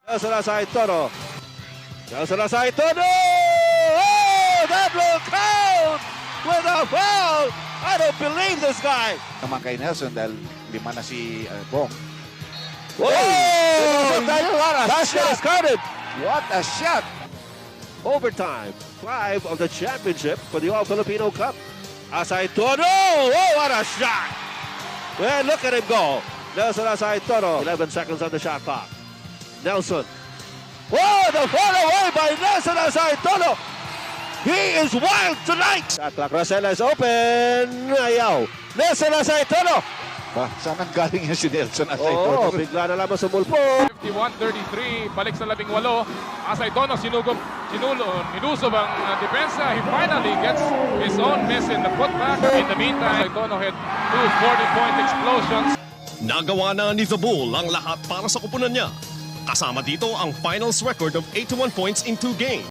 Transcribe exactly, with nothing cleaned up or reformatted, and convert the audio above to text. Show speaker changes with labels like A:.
A: Nelson Asay Toro. Nelson Asay Toro! Oh, that will count with a foul! I don't believe this guy!
B: Naman kay Nelson dahil lima na si uh, Bong.
A: Oh!
B: What a
A: That shot is counted!
B: What a shot!
A: Overtime. Five of the championship for the All-Filipino Cup. Asay Toro! Oh, what a shot! Well, look at him go. Nelson Asay Toro. eleven seconds on the shot clock. Nelson. Oh, the fall away by Nelson Asay Toro. He is wild tonight. Shot clock. Rosella is open. Ayaw. Nelson Asay Toro.
B: Ba, saan ang galing yan si Nelson Asay
A: Oh,
B: Toro?
A: bigla na lamang sumulpo.
C: fifty-one thirty-three, balik sa labing walo. Asay Tono, sinugop, sinulo, nilusob ang uh, depensa. He finally gets his own miss in the putback. In the meantime, Asay Tono had two forty-point explosions.
D: Nagawa na ni The Bull ang lahat para sa kupunan niya. Kasama dito ang finals record of eighty-one points in two games.